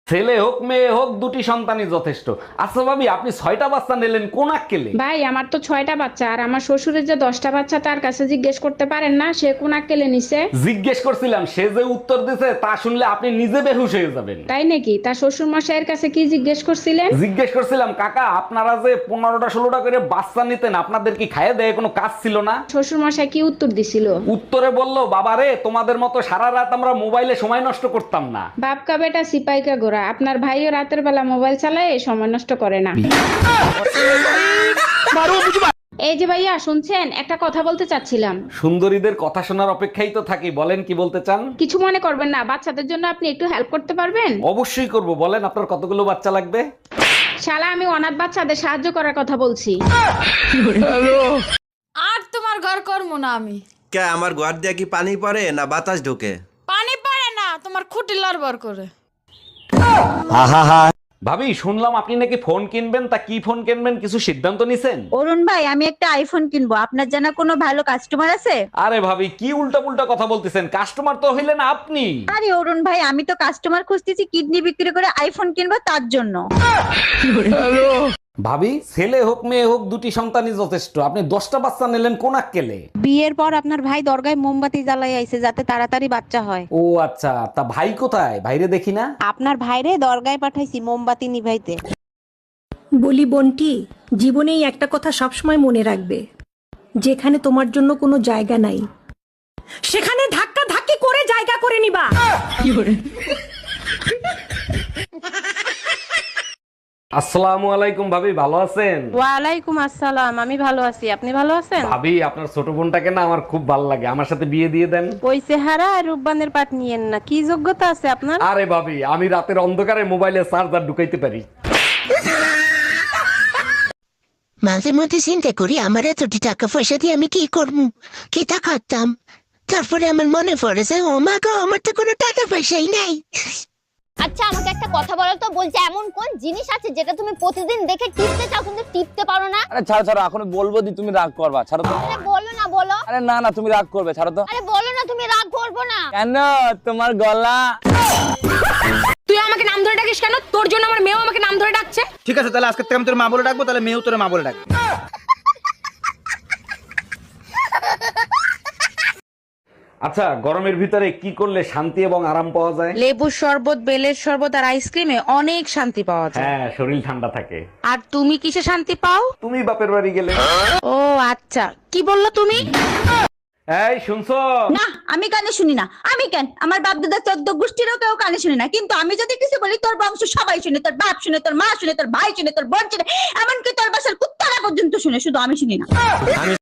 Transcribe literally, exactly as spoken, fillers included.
ছেলে হোক মেয়ে হোক দুটি সন্তানই যথেষ্ট। আচ্ছা ভাবি, আপনি ছয়টা বাচ্চা নিলেন কোন আক্কেলে? ভাই আমার তো ছয়টা বাচ্চা, আর আমার শ্বশুরের যে দশটা বাচ্চা তার কাছে জিজ্ঞেস করতে পারেন না সে কোন আক্কেলে নিছে? জিজ্ঞেস করছিলাম, সে যে উত্তর দিছে তা শুনলে আপনি নিজে বেহুশ হয়ে যাবেন। তাই নাকি? তার শ্বশুর মশাইয়ের কাছে কি জিজ্ঞেস করছিলেন? জিজ্ঞেস করছিলাম, কাকা আপনারা যে পনেরোটা ষোলোটা করে বাচ্চা নিতেন, আপনাদের কি খাইয়ে দেয় কোনো কাজ ছিল না? শ্বশুর মশাই কি উত্তর দিছিল? উত্তরে বললো, বাবারে তোমাদের মতো সারা রাত আমরা মোবাইলে সময় নষ্ট করতাম না। বাপকা বেটা সিপাইকা গোরা, আপনার ভাইও রাতের বেলা মোবাইল চালায় সময় নষ্ট করে না। এই যে ভাইয়া শুনছেন, একটা কথা বলতে চাচ্ছিলাম। সুন্দরীদের কথা শোনার অপেক্ষাই তো থাকি, বলেন কি বলতে চান? কিছু মনে করবেন না, বাচ্চাদের জন্য আপনি একটু হেল্প করতে পারবেন? অবশ্যই করব, বলেন আপনার কতগুলো বাচ্চা লাগবে? শালা আমি অনাথ বাচ্চাদের সাহায্য করার কথা বলছি। আর তোমার ঘর করবো না আমি। কে আমার ঘর দিয়ে কি পানি পড়ে না বাতাস ঢোকে? পানি পারে না, তোমার খুঁটি লড়বড় করে। ভাবি শুনলাম আপনি নাকি ফোন কিনবেন, তা কি ফোন কিনবেন কিছু সিদ্ধান্ত নিছেন? অরুণ ভাই, আমি একটা আইফোন কিনবো, আপনার জানা কোনো ভালো কাস্টমার আছে? আরে ভাবি কি উল্টা পুল্টা কথা বলতেছেন, কাস্টমার তো হইলেন আপনি। আরে অরুণ ভাই, আমি তো কাস্টমার খুঁজতেছি কিডনি বিক্রি করে আইফোন কিনবো তার জন্য। ভাবি ছেলে হোক মেয়ে হোক দুটি সন্তানই যথেষ্ট, আপনি দশটা বাচ্চা নিলেন কোন আক্কেলে? বিয়ের পর আপনার ভাই দরগায় মোমবাতি জ্বালাই আইছে যাতে তাড়াতাড়ি বাচ্চা হয়। ও আচ্ছা, তা ভাই কোথায়? ভাইরে দেখি না। আপনার ভাইরে দরগায় পাঠাইছি মোমবাতি নিভাইতে। বলি বোনটি, জীবনেই একটা কথা সবসময় মনে রাখবে, যেখানে তোমার জন্য কোনো জায়গা নাই সেখানে ধাক্কা ধাক্কি করে জায়গা করে নিবা। আসসালামু আলাইকুম ভাবি, ভালো আছেন? ওয়ালাইকুম আসসালাম, আমি ভালো আছি, আপনি ভালো আছেন? ভাবি আপনার ছোট বোনটাকে না আমার খুব ভালো লাগে, আমার সাথে বিয়ে দিয়ে দেন। ওই চেহারা আর রূপবানের পাট নিয়েন না, কি যোগ্যতা আছে আপনার? আরে ভাবি, আমি রাতের অন্ধকারে মোবাইলে চার্জার ঢুকাইতে পারি। মাঝে মধ্যে চিন্তা করি আমার এতটি টাকা পয়সা দিয়ে আমি কি করবো, কি তা করতাম। তারপরে আমার মনে পড়ে যে ও মা গো, আমার তো কোনো টাকা পয়সাই নাই। আচ্ছা আমাকে একটা কথা বলো তো, বলছে এমন কোন জিনিস আছে যেটা তুমি প্রতিদিন দেখে টিপতে চাও কিন্তু টিপতে পারো না? আরে ছাড়ো ছাড়ো, এখন বলবো দি তুমি রাগ করবা, ছাড়ো তো। আরে বলো না, বলো। আরে না না, তুমি রাগ করবে, ছাড়ো তো। আরে বলো না, তুমি রাগ করবো না। কেন? তোমার গলা। তুই আমাকে নাম ধরে ডাকিস কেন? তোর জন্য আমার মেয়েও আমাকে নাম ধরে ডাকছে। ঠিক আছে, তাহলে আজকে থেকে আমি তোর মা বলে ডাকবো, তাহলে মেয়েও তোর মা বলে ডাকবে। আচ্ছা, গরমের ভিতরে কি করলে শান্তি এবং আরাম পাওয়া যায়? লেবুর শরবত, বেলের শরবত আর আইসক্রিমে অনেক শান্তি পাওয়া যায়। হ্যাঁ, শরীর ঠান্ডা থাকে। আর তুমি কিসে শান্তি পাও? তুমি বাপের বাড়ি গেলে। ও আচ্ছা, কি বললো তুমি? এই শুনছো? না, আমি কানে শুনি না। আমি কেন, আমার বাপ দাদা চোদ্দ গোষ্ঠীরও কেউ কানে শুনি না, কিন্তু আমি যদি কিছু বলি তোর বংশ সবাই শুনে, তোর বাপ শুনে, তোর মা শুনে, তোর ভাই শুনে, তোর বোন শুনে, এমনকি তোর বাসার কুত্তারা পর্যন্ত শুনে, শুধু আমি শুনি না।